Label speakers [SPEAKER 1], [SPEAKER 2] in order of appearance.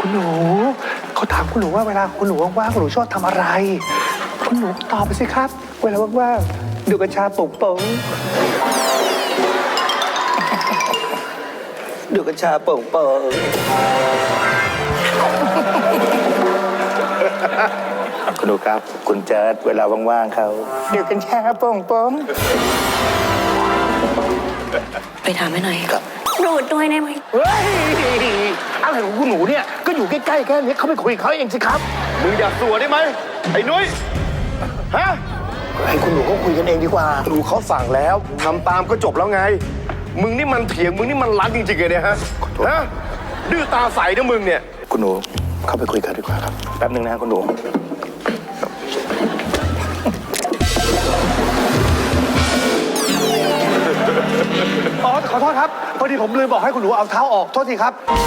[SPEAKER 1] คุณหนูเขาถามคุณหนูว่าเวลาคุณหนูว่างๆคุณหนูชอบทำอะไรคุณหนูตอบไปสิครับเวลาว่างๆดูกัญชาปลุกปงดูกัญชาปลุกปงคุณหนูครับคุณเจิดเวลาว่างๆเขาดูกัญชาปงปง
[SPEAKER 2] ไปถามให้หน่อย
[SPEAKER 1] ครับ
[SPEAKER 2] ดูดด้วยได้ไหม
[SPEAKER 1] เฮ้ยอะไรของคุณหนูเนี่ยก็อยู่ใกล้ๆแค่นี้เขาไปคุยกับเขาเองสิครับ
[SPEAKER 3] มึงอย่าสัวได้ไหมไอ้นุ้ยฮะ
[SPEAKER 1] ให้คุณหนูเขาคุยกันเองดีกว่า
[SPEAKER 3] หนูเขาสั่งแล้วทำตามก็จบแล้วไง มึงนี่มันเถียงมึงนี่มันรัดจริงๆเลยเนี่ยฮะฮะดื้อตาใสนะมึงเนี่ย
[SPEAKER 1] คุณหนูเข้าไปคุยกันดีกว่าครับแป๊บนึงนะคุณหนูอ๋อขอโทษครับพอดีผมลืมบอกให้คุณหนูเอาเท้าออกโทษทีครับ